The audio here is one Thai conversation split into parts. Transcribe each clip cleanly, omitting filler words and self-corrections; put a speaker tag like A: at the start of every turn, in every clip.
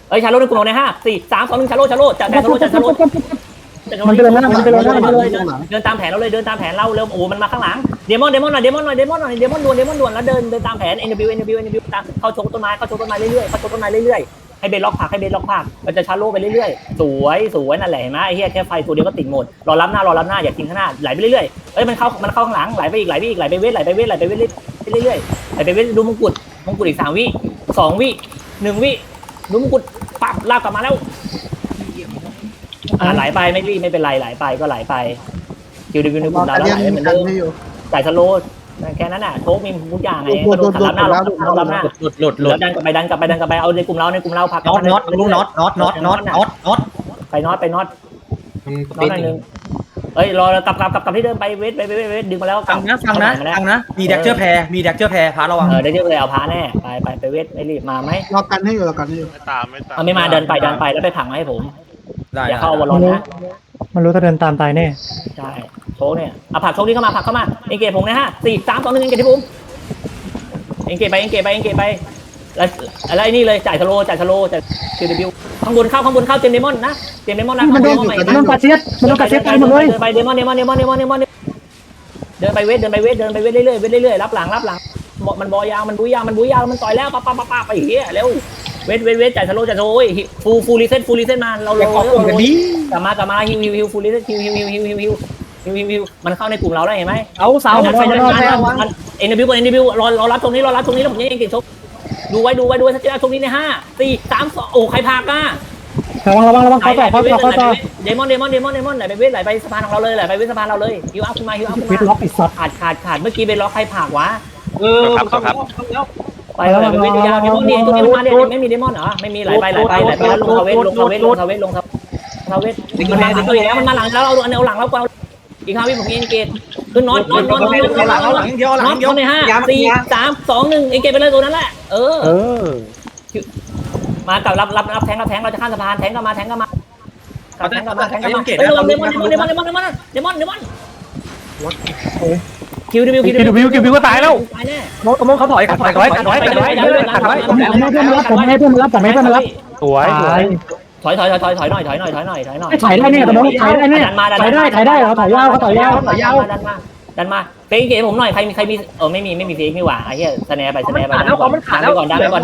A: เอ้ยชาโลในกลุ่มเราใน5 4 3 2 1ชาโลจัดแผนชาโล
B: มันเป็นอะไรนะมันเป็นอะไรนะ
A: เดินตามแผนเราเลยเดินตามแผนเราเร็วโอ้มันมาข้างหลังเดมอนหน่อยเดมอนด่วนแล้วเดินตามแผน NW ตามเข้าโชว์ต้นไม้เรื่อยๆให้เบนล็อกผักมันจะชาโลไปเรื่อยๆสวยนั่นแหละเห็นไหมไอ้เหี้ยแค่ไฟตัวเดียวก็ติดหมดรอรับหน้าอย่าทิ้งข้างหน้าไหลไปเรื่อยๆเอ้ยมันเข้าข้างหลังไหลไปอีกไหลไปเวทเรื่อยๆดูมงกุฎอีก3 วิ2 วิ1 วิดูมงกุฎปั๊บลากกลับมาแล้วไหลไปไม่เป็นไรไหลไปก็ไหลไปคิวดิวิวในกลุ่มเราแล้วไหลเหมือนเดิมจ่ายสโลแค่นั้นน่ะโชคมีทุกอย่างไงก็โดนรับหน้าหลุดดันกลับไปเอาในกลุ่มเราพัก
C: น็อต
A: ไปน็อตหนึ่งเอ้ยรอกลับที่เดิมไปเวทดึงมาแล้ว
C: ฟังนะมีแดกเจอร์แพร์พาระวัง
A: ได้เจอเลยเอาพาแน่ไปเวทไม่รีบมาไหม
D: รอกันให้อยู่
E: ไม่ตาม
A: ไม่มาเดินไปแล้วไปผังให้ผมอย่าเข้าวอลลอนนะ
B: มันรู้ถ้าเดินตามตายแน่
A: ใช่โชคเนี่ยเอาผักโชคนี้เข้ามาเอ็งเกตผมนะ4 3 2 1เอ็งเกตที่ผมเอ็งเกตไปแล้วไอ้นี่เลยจ่ายสโลจ่ายคิวดิวิวข้างบนเข้าเต็มเดมอนนะ
B: มันโดนกาเซียสไปหมดเลย
A: ไปเดมอนเดินไปเวทเรื่อยรับหลังมันบอยาวมันบุยยาวมันต่อยแล้วป้าไปเหี้ยเร็วเวทจ่ายสโลฟูรีเซ็ตมาเรากลับมาฮิวฟูรีเซ็ตฮิวมันเข้าในกลุ่มเราได้เห็นไหม
C: เอาเสา
A: เอ็นบิวรอรับตรงนี้แล้วผมยังเก่งชกดูไว้สักทีตรงนี้ใน5 4 3 2โอ้ใครพาก้า
B: ระวังเขาต่อ
A: เดมอนไหลไปเวทไหลไปสะพานของเราเลยไปเวทสะพานเราเลยฮิวอัพขึ้นมา
B: ล็อกอีกสัตว์
A: ขาดเมื่อกี้เป็นล็อกใครผากวะ
E: ครับ
A: ไปแล้วเวทยาวเดมอนตัวนี้มาเนี่ยไม่มีเดมอนเหรอไม่มีไหลไปแล้วลงเวทมันมาหลังแล้วเอาหลังแล้วอีก5 วิผมเอ็นเกตขึ้นน็อตใน5 4 3 2 1เอ็นเกตไปเลยตัวนั้นแหละมากับรับแทงเราจะข้ามสะพานแทงก็มาเฮ้ยระวังเดมอนคิวดิวิวก็ตายแล้ว
C: มองเขาถอย
B: ผมให้เพื่อนมารับ
A: สวยถอยหน่อยถ่ายได้
B: เนี่ยตะมงถ่ายได้เนี่ยถ่ายได้เขาถ่ายยาว
A: ดันมาเฟกเกตผมหน่อยใครมีไม่มีเฟกนี่หว่าไอ้เหี้ยสแนปไป
C: มันขาดแล้ว
A: ดันไปก่อน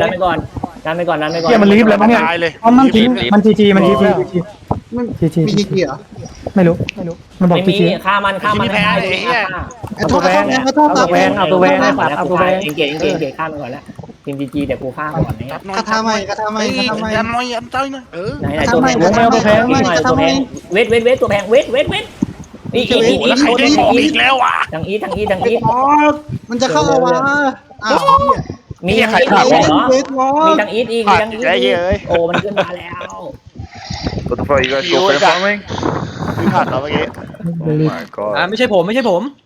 B: มันรีบเลยมั้งเนี่ยมันจีมันจี
D: เหรอ
B: ไม่รู้มันบอกจี
A: ฆ่ามัน
D: เอาตัวแวง
A: เกตฆ่ามันก่อนแล้วทีมจีเดี๋ยวกูฆ่าก่อน
D: เนี่ยกระทำไม
E: ยันน้อยยันใจหน่อย
A: ไหนตัวแพงเวทตัวแพงเวทอีก
E: แล้วอ่ะ
A: ทางอี
D: มันจะเข้าวะ
A: มีใครขับเหรอมีทางอีอีกโอ้มันขึ้นมาแล้ว
E: What the fuck you guys go for farming ขาดเหรอเมื่อกี้
C: ไม่ใช่ผม